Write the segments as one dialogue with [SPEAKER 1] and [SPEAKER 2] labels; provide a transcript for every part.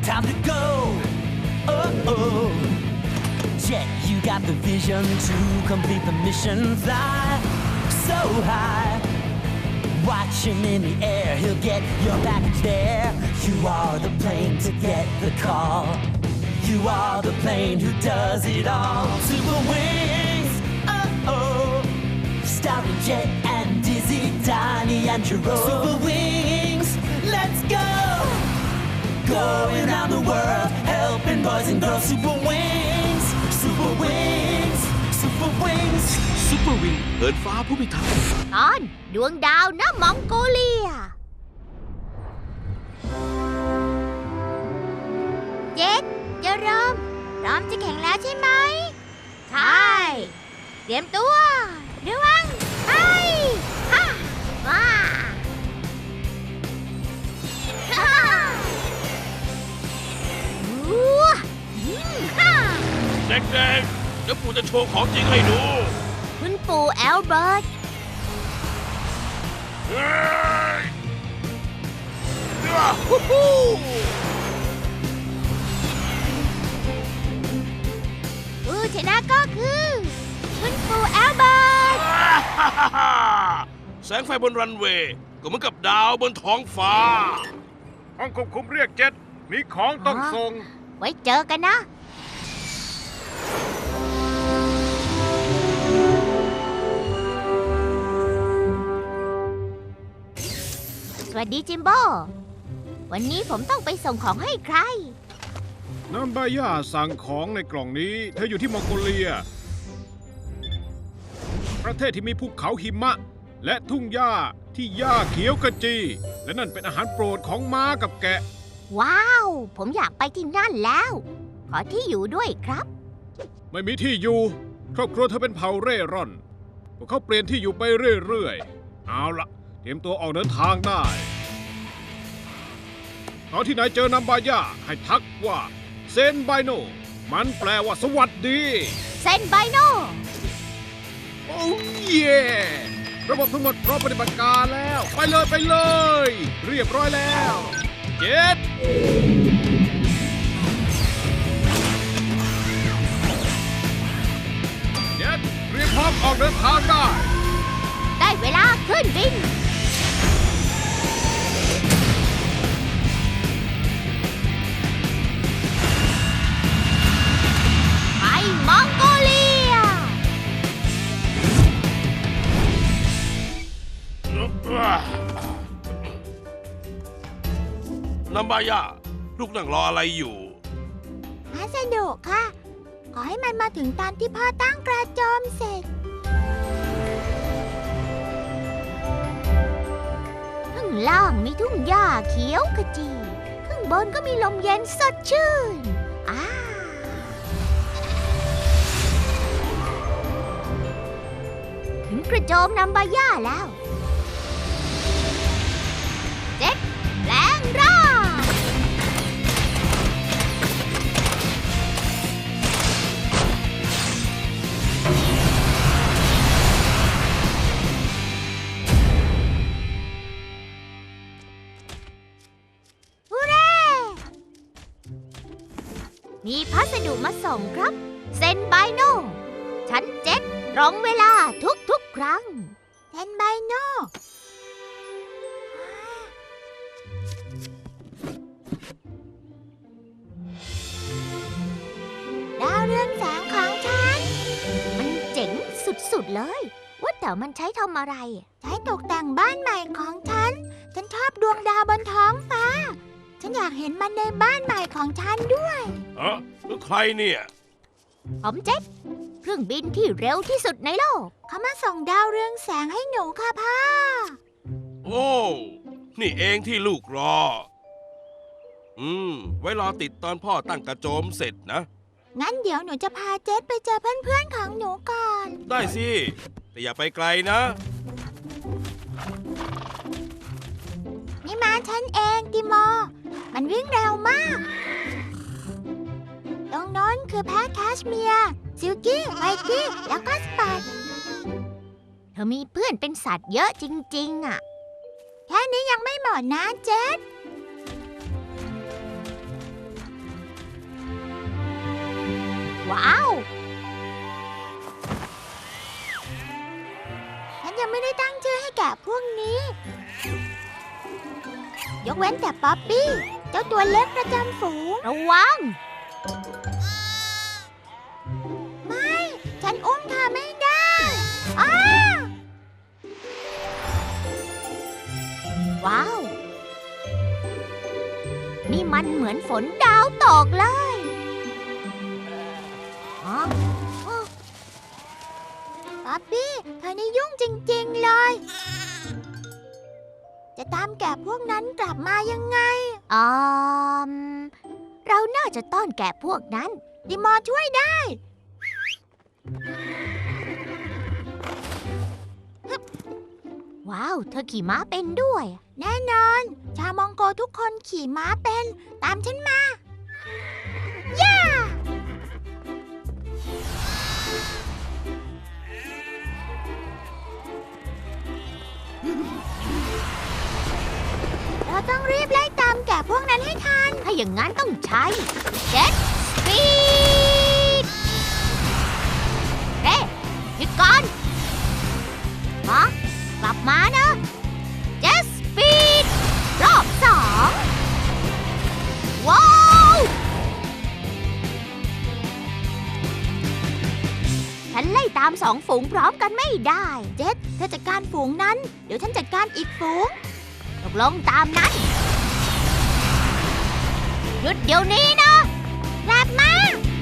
[SPEAKER 1] time to go. Oh, Jet, you got the vision to complete the mission. Fly so high, watching in the air. He'll get your package there. You are the plane to get the call. You are the plane who does it all. Super Wings, oh, starring Jet and Dizzy, Donnie and Jerome. Super Wings, let's go. Going around the world, helping boys and girls. Super Wings, Super Wings, Super Wings.
[SPEAKER 2] Super Wing เหินฟ้าผู้พิทักษ์
[SPEAKER 3] ตอนดวงดาวณมองโกเลีย เจ็ดเจอรมพร้อมจะแข่งแล้วใช่ไหมใช่เตรียมตัวระวังไปฮ่าว้าฮ่าฮ่า
[SPEAKER 2] เด็กๆเดี๋ยวปู่จะโชว์ของจริงให้ดู
[SPEAKER 3] คุณปู่แอลเบิร์ต
[SPEAKER 2] เฮ้ยฮู้ฮู้
[SPEAKER 3] ผู้ชนะก็คือคุณปู่แอลเบิร์ต
[SPEAKER 2] แสงไฟบนรันเวย์ก็เหมือนกับดาวบนท้องฟ้า
[SPEAKER 4] ห้องควบคุมเรียกเจ็ดมีของต้องส่ง
[SPEAKER 3] ไว้เจอกันนะ สวัสดีจิมโบ้ วันนี้ผมต้องไปส่งของให้ใคร
[SPEAKER 4] น้ำบาย่าสั่งของในกล่องนี้เธออยู่ที่มองโกเลีย ประเทศที่มีภูเขาหิมะ และทุ่งหญ้าที่หญ้าเขียวขจี และนั่นเป็นอาหารโปรดของม้ากับแกะ
[SPEAKER 3] ว้าว ผมอยากไปที่นั่นแล้ว ขอที่อยู่ด้วยครับ
[SPEAKER 4] ไม่มีที่อยู่ ครอบครัวเธอเป็นเผ่าเร่ร่อนพวกเขาเปลี่ยนที่อยู่ไปเรื่อยๆ เอาละเตรียมตัวออกเดินทางได้ตอนที่นายเจอนัมบาย่าให้ทักว่าเซนไบโนมันแปลว่าสวัสดี
[SPEAKER 3] เซนไบโน
[SPEAKER 4] โอ้เย่ระบบทั้งหมดพร้อมปฏิบัติการแล้ว ไปเลยไปเลย เรียบร้อยแล้วเจ็ดเจ็ดเตรียมพร้อมออกเดินทางได้
[SPEAKER 3] ได้เวลาขึ้นบิน ไปมองโกเลีย
[SPEAKER 2] นัมบายาลูกนั่งรออะไรอยู่
[SPEAKER 3] พัสดุค่ะ ขอให้มันมาถึงตอนที่พ่อตั้งกระโจมเสร็จ ข้างล่างมีทุ่งหญ้าเขียวขจี ข้างบนก็มีลมเย็นสดชื่นถึงกระโจมนัมบาย่าแล้ว เจ็ดแปลงร่างฮูเร่ มีพัสดุมาส่งครับ เซนไบโน ชั้นเจ็ดตรงเวลาทุกๆครั้ง เซนไบโน ดาวเรืองแสงของฉัน มันเจ๋งสุดๆเลย ว่าแต่มันใช้ทำอะไร ใช้ตกแต่งบ้านใหม่ของฉัน ฉันชอบดวงดาวบนท้องฟ้า ฉันอยากเห็นมันในบ้านใหม่ของฉันด้วย
[SPEAKER 2] แล้วใครเนี่ย
[SPEAKER 3] ผมเจ็ตเครื่องบินที่เร็วที่สุดในโลก เขามาส่งดาวเรืองแสงให้หนูค่ะพ่อ
[SPEAKER 2] โอ้ นี่เองที่ลูกรอ ไว้รอติดตอนพ่อตั้งกระโจมเสร็จนะ
[SPEAKER 3] งั้นเดี๋ยวหนูจะพาเจ็ตไปเจอเพื่อนๆของหนูก่อน
[SPEAKER 2] ได้สิ แต่อย่าไปไกลนะ
[SPEAKER 3] นี่มาฉันเองติโม มันวิ่งเร็วมาก ตรงโน้นคือแพะแคชเมียร์ซิลกี้ ไวกี้ แล้วก็สปอตเธอมีเพื่อนเป็นสัตว์เยอะจริงๆอ่ะ แค่นี้ยังไม่หมดนะเจ็ตว้าว ฉันยังไม่ได้ตั้งชื่อให้แกะพวกนี้ ยกเว้นแต่ป๊อปปี้ เจ้าตัวเล็กประจำฝูง ระวัง ไม่ ฉันอุ้มเธอไม่ได้อ้าว้าว นี่มันเหมือนฝนดาวตกเลยอ๋อป๊อปปี้ เธอนี่ยุ่งจริงๆเลย จะตามแกะพวกนั้นกลับมายังไงเราน่าจะต้อนแกะพวกนั้นดิมอช่วยได้ ว้าว เธอขี่ม้าเป็นด้วย แน่นอน ชาวมองโกทุกคนขี่ม้าเป็น ตามฉันมา ย่า เราต้องรีบไล่ตามแกะพวกนั้นให้ทัน ถ้าอย่างนั้นต้องใช้เจ็ตสปีดเฮ้ยหยุดก่อนฮะกลับมานะเจ็ตสปีดรอบ2ว้าวฉันไล่ตาม2 ฝูงพร้อมกันไม่ได้เจ็ตเธอจัดการฝูงนั้นเดี๋ยวฉันจัดการอีกฝูงตกลงตามนั้นหยุดเดี๋ยวนี้นะกลับมา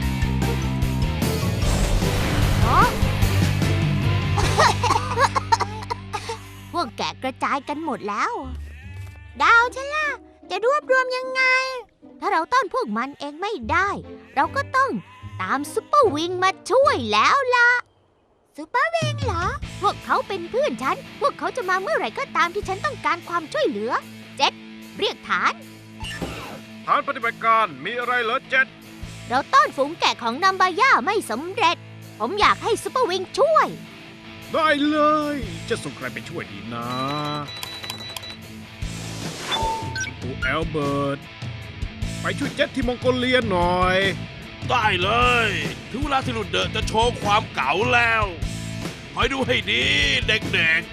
[SPEAKER 3] พวกแกะกระจายกันหมดแล้วดาวฉันล่ะจะรวบรวมยังไงถ้าเราต้อนพวกมันเองไม่ได้เราก็ต้องตามซุปเปอร์วิงมาช่วยแล้วล่ะซุปเปอร์วิงเหรอพวกเขาเป็นเพื่อนฉันพวกเขาจะมาเมื่อไหร่ก็ตามที่ฉันต้องการความช่วยเหลือเจ็ตเรียกฐาน
[SPEAKER 4] ปฏิบัติการมีอะไรเหรอเจ็ต
[SPEAKER 3] เราต้อนฝูงแกะของนัมบาย่าไม่สำเร็จผมอยากให้ซุปเปอร์วิงช่วย
[SPEAKER 4] ได้เลยจะส่งใครไปช่วยดีนะปูแอลเบิร์ตไปช่วยเจ็ตที่มองโกเลียหน่อย
[SPEAKER 2] ได้เลยถึงเวลาที่ลุดเดอะจะโชว์ความเก๋าแล้วคอยดูให้ดีเด็กๆ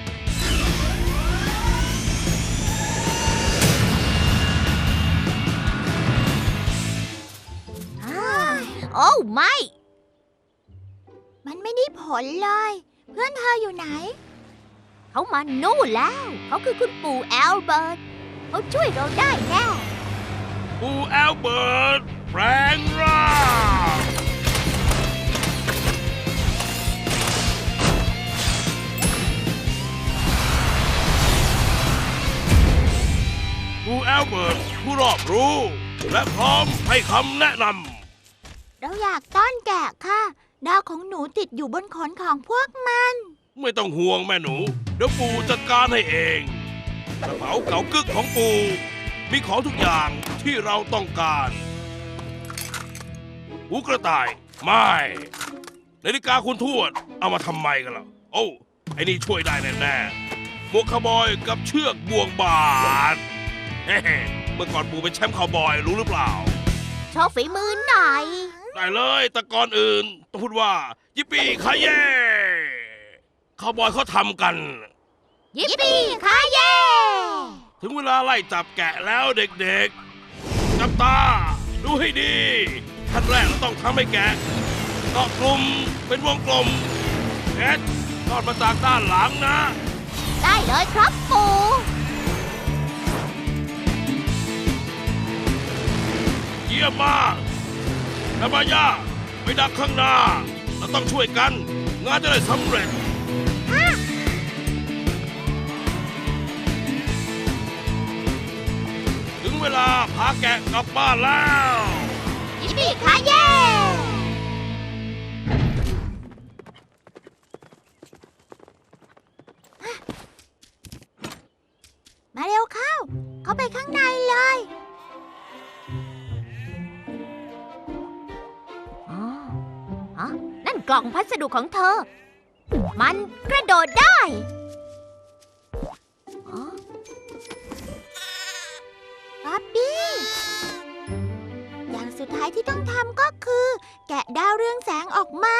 [SPEAKER 3] โอ้ไม่มันไม่ได้ผลเลยเพื่อนเธออยู่ไหนเขามานู่นแล้วเขาคือคุณปู่แอลเบิร์ตเขาช่วยเราได้แน่
[SPEAKER 2] ปู่แอลเบิร์ตแปลงร่างปู่แอลเบิร์ตผู้รอบรู้และพร้อมให้คำแนะนำ
[SPEAKER 3] เราอยากต้อนแกะค่ะดาวของหนูติดอยู่บนขนของพวกมัน
[SPEAKER 2] ไม่ต้องห่วงแม่หนูเดี๋ยวปู่จัดการให้เองกระเป๋าเก๋ากึกของปู่มีของทุกอย่างที่เราต้องการหูกระต่ายไม่นาฬิกาคุณทวดเอามาทำไมกันล่ะโอ้ไอ้นี่ช่วยได้แน่ๆหมวกคาวบอยกับเชือกบ่วงบาดเฮ้เมื่อก่อนปู่เป็นแชมป์คาวบอยรู้หรือเปล่า
[SPEAKER 3] โชว์ฝีมือหน่อย
[SPEAKER 2] ได้เลยแต่ก่อนอื่นต้องพูดว่ายิปปี้คาเย่คาวบอยเขาทำกัน
[SPEAKER 3] ยิปปี้คาเย่
[SPEAKER 2] ถึงเวลาไล่จับแกะแล้วเด็กๆจับตาดูให้ดีขั้นแรกเราต้องทำให้แกะเกาะกลุ่มเป็นวงกลมแกะทอดมาจากด้านหลังนะ
[SPEAKER 3] ได้เลยครับปู่
[SPEAKER 2] เยี่ยมมากนาบายาไปดักข้างหน้าเราต้องช่วยกันงานจะได้สำเร็จถึงเวลาพาแกะกลับบ้านแล้ว
[SPEAKER 3] ยิปปี้คาเย่มาเร็วเข้าไปข้างในเลยนั่นกล่องพัสดุของเธอมันกระโดดได้ป๊อปปี้อย่างสุดท้ายที่ต้องทำก็คือแกแกะดาวเรืองแสงออกมา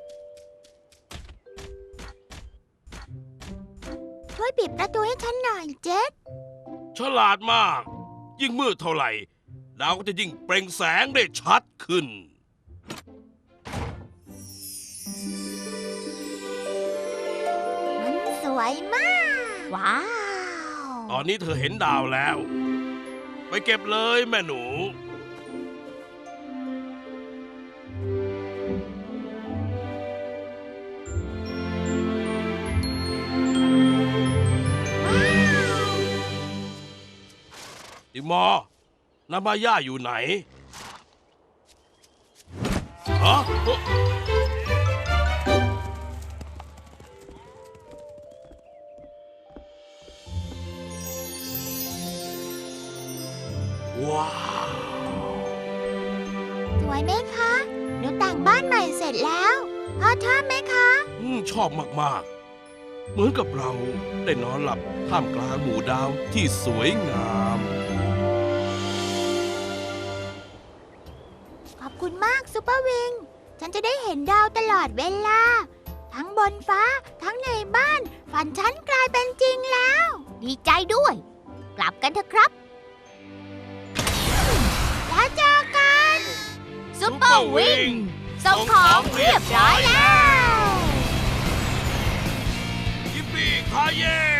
[SPEAKER 3] ช่วยปิดประตูให้ฉันหน่อยเจ็ด
[SPEAKER 2] ฉลาดมาก ยิ่งมืดเท่าไหร่ ดาวก็จะยิ่งเปล่งแสงได้ชัดขึ้น
[SPEAKER 3] มันสวยมาก ว้าว
[SPEAKER 2] ตอนนี้เธอเห็นดาวแล้ว ไปเก็บเลยแม่หนู ติมอร์นามาย่าอยู่ไหนฮะว้าว
[SPEAKER 3] สวยไหมคะหนูแต่งบ้านใหม่เสร็จแล้วพ่อชอบไหมคะ
[SPEAKER 2] ชอบมากๆ เหมือนกับเราได้นอนหลับท่ามกลางหมู่ดาวที่สวยงาม
[SPEAKER 3] ขอบคุณมากซุปเปอร์วิง ฉันจะได้เห็นดาวตลอดเวลา ทั้งบนฟ้าทั้งในบ้าน ฝันฉันกลายเป็นจริงแล้ว ดีใจด้วย กลับกันเถอะครับ แล้วเจอกันซุปเปอร์วิงส่งของเรียบร้อยแล้ว
[SPEAKER 2] ยิปปี้คาเย่